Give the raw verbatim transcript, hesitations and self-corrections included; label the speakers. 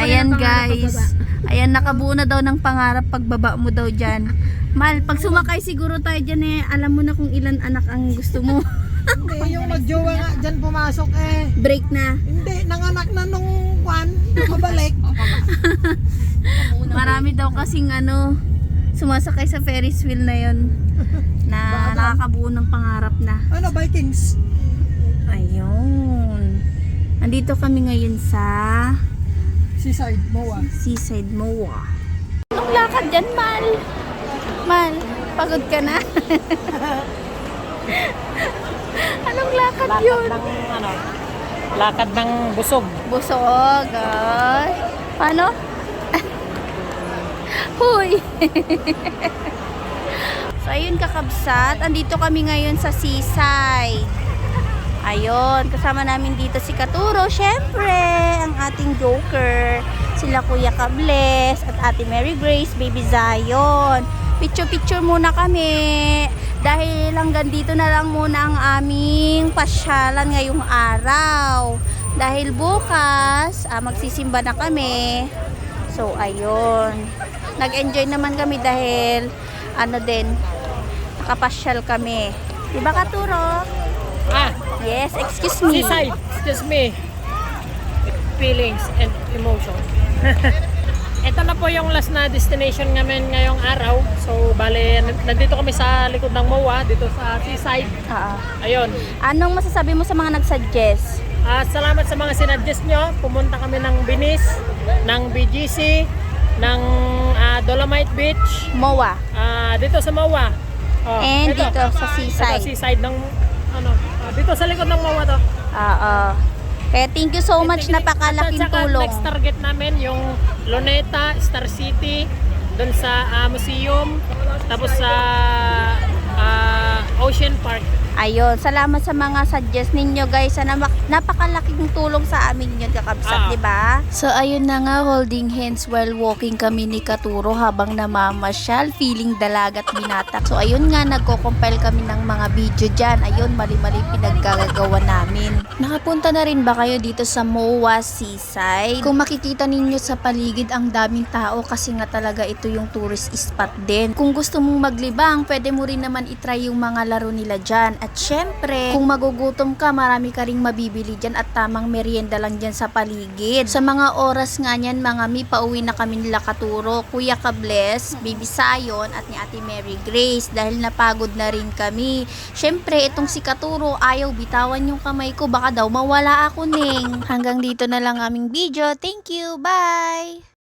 Speaker 1: Ayan
Speaker 2: ng pangarap
Speaker 1: guys.
Speaker 2: pagbaba.
Speaker 1: Ayan, nakabuo na daw ng pangarap pagbaba mo daw dyan. Mal, pag sumakay siguro tayo dyan eh, alam mo na kung ilan anak ang gusto mo.
Speaker 2: Hindi, yung magjowa nga dyan pumasok eh.
Speaker 1: Break na.
Speaker 2: Hindi, nanganak na nung kwan, nakabalik.
Speaker 1: Marami daw kasing ano, sumasakay sa Ferris wheel na yon na nakakabuo ng pangarap na.
Speaker 2: Ano, Vikings?
Speaker 1: Ayun. Nandito kami ngayon sa
Speaker 2: Seaside, Moa.
Speaker 1: Seaside Moa. Anong lakad dyan, Mal? Mal, pagod ka na? Anong lakad,
Speaker 2: Lakad
Speaker 1: yun?
Speaker 2: ng, ano, lakad ng busog.
Speaker 1: Busog, ay. Paano? Huy! So, ayun kakabsat. Andito kami ngayon sa Seaside. Ayun, kasama namin dito si Katuro, syempre, ang ating joker. Sila Kuya Kables at Ate Mary Grace, Baby Zion. Picture-picture muna kami. Dahil hanggang dito na lang muna ang aming pasyalan ngayong araw. Dahil bukas, ah, magsisimba na kami. So, ayun. Nag-enjoy naman kami dahil, ano din, nakapasyal kami. Diba, Katuro?
Speaker 2: Ah,
Speaker 1: Yes, excuse me.
Speaker 2: Seaside, excuse me. Feelings and emotion. Ito na po yung last na destination namin ngayong araw. So, bale, nandito kami sa likod ng Moa, dito sa Seaside.
Speaker 1: Oo.
Speaker 2: Ayun.
Speaker 1: Anong masasabi mo sa mga nag-suggest?
Speaker 2: Ah, salamat sa mga sinadjust nyo. Pumunta kami ng Binis, ng B G C, ng ah, Dolomite Beach,
Speaker 1: Moa.
Speaker 2: ah, dito sa Moa. Oh,
Speaker 1: And
Speaker 2: ito.
Speaker 1: dito sa Seaside.
Speaker 2: Ito, seaside ng, ano, ah, dito sa likod ng Moa to.
Speaker 1: Oo. Kaya thank you so much, napakalaking
Speaker 2: At saka
Speaker 1: tulong.
Speaker 2: next target namin yung Luneta, Star City, doon sa ah, museum, tapos sa ah, Ocean Park.
Speaker 1: Ayun, salamat sa mga suggest ninyo guys. Sana mak- napakalaking tulong sa amin yun kakabsat,
Speaker 2: Ah.
Speaker 1: di ba? So ayun na nga, holding hands while walking kami ni Katuro habang namamasyal, feeling dalagat binata. So ayun nga, nagko-compile kami ng mga video dyan. Ayun, mali-mali pinaggagawa namin. Nakapunta na rin ba kayo dito sa Moa Seaside? Kung makikita ninyo sa paligid, ang daming tao kasi nga talaga ito yung tourist spot din. Kung gusto mong maglibang, pwede mo rin naman itry yung mga laro nila dyan. At syempre, kung magugutom ka, marami ka ring mabibili dyan at tamang merienda lang dyan sa paligid. Sa mga oras nga niyan, mga mi, pauwi na kami nila Katuro, Kuya Kables, Baby Zion at ni Ate Mary Grace dahil napagod na rin kami. Syempre, itong si Katuro, ayaw bitawan yung kamay ko, baka daw mawala ako ning. Hanggang dito na lang aming video. Thank you, bye!